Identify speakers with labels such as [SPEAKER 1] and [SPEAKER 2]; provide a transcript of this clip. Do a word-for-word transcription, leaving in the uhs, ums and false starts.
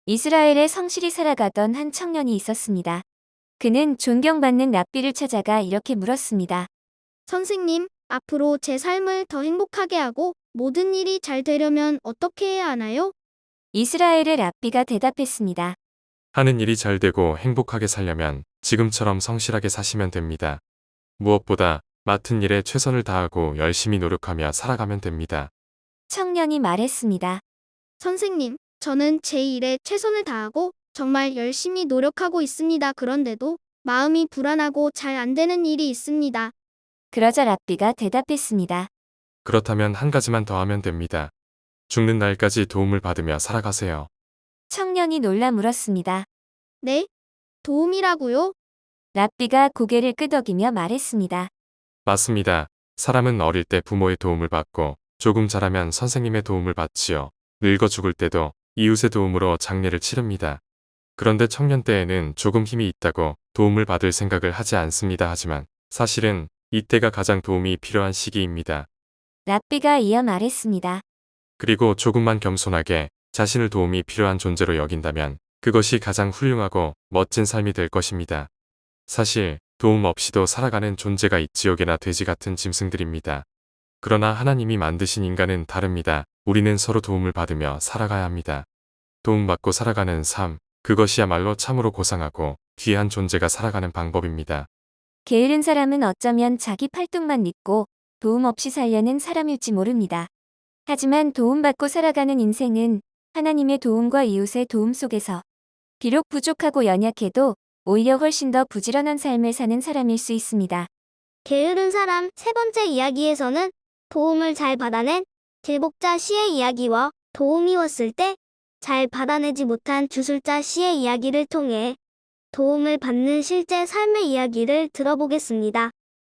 [SPEAKER 1] 이스라엘에 성실히 살아가던 한 청년이 있었습니다. 그는 존경받는 랍비를 찾아가 이렇게 물었습니다.
[SPEAKER 2] 선생님, 앞으로 제 삶을 더 행복하게 하고 모든 일이 잘 되려면 어떻게 해야 하나요?
[SPEAKER 1] 이스라엘의 랍비가 대답했습니다.
[SPEAKER 3] 하는 일이 잘 되고 행복하게 살려면 지금처럼 성실하게 사시면 됩니다. 무엇보다 맡은 일에 최선을 다하고 열심히 노력하며 살아가면 됩니다.
[SPEAKER 1] 청년이 말했습니다.
[SPEAKER 2] 선생님, 저는 제 일에 최선을 다하고 정말 열심히 노력하고 있습니다. 그런데도 마음이 불안하고 잘 안 되는 일이 있습니다.
[SPEAKER 1] 그러자 랍비가 대답했습니다.
[SPEAKER 3] 그렇다면 한 가지만 더 하면 됩니다. 죽는 날까지 도움을 받으며 살아가세요.
[SPEAKER 1] 청년이 놀라 물었습니다.
[SPEAKER 2] 네? 도움이라고요?
[SPEAKER 1] 랍비가 고개를 끄덕이며 말했습니다.
[SPEAKER 3] 맞습니다. 사람은 어릴 때 부모의 도움을 받고 조금 자라면 선생님의 도움을 받지요. 늙어 죽을 때도 이웃의 도움으로 장례를 치릅니다. 그런데 청년 때에는 조금 힘이 있다고 도움을 받을 생각을 하지 않습니다. 하지만 사실은 이때가 가장 도움이 필요한 시기입니다.
[SPEAKER 1] 랍비가 이어 말했습니다.
[SPEAKER 3] 그리고 조금만 겸손하게 자신을 도움이 필요한 존재로 여긴다면 그것이 가장 훌륭하고 멋진 삶이 될 것입니다. 사실 도움 없이도 살아가는 존재가 이 지옥이나 돼지 같은 짐승들입니다. 그러나 하나님이 만드신 인간은 다릅니다. 우리는 서로 도움을 받으며 살아가야 합니다. 도움받고 살아가는 삶, 그것이야말로 참으로 고상하고 귀한 존재가 살아가는 방법입니다.
[SPEAKER 1] 게으른 사람은 어쩌면 자기 팔뚝만 믿고 도움 없이 살려는 사람일지 모릅니다. 하지만 도움받고 살아가는 인생은 하나님의 도움과 이웃의 도움 속에서 비록 부족하고 연약해도 오히려 훨씬 더 부지런한 삶을 사는 사람일 수 있습니다.
[SPEAKER 2] 게으른 사람 세 번째 이야기에서는 도움을 잘 받아낸 길복자 씨의 이야기와 도움이 왔을 때 잘 받아내지 못한 주술자 씨의 이야기를 통해 도움을 받는 실제 삶의 이야기를 들어보겠습니다.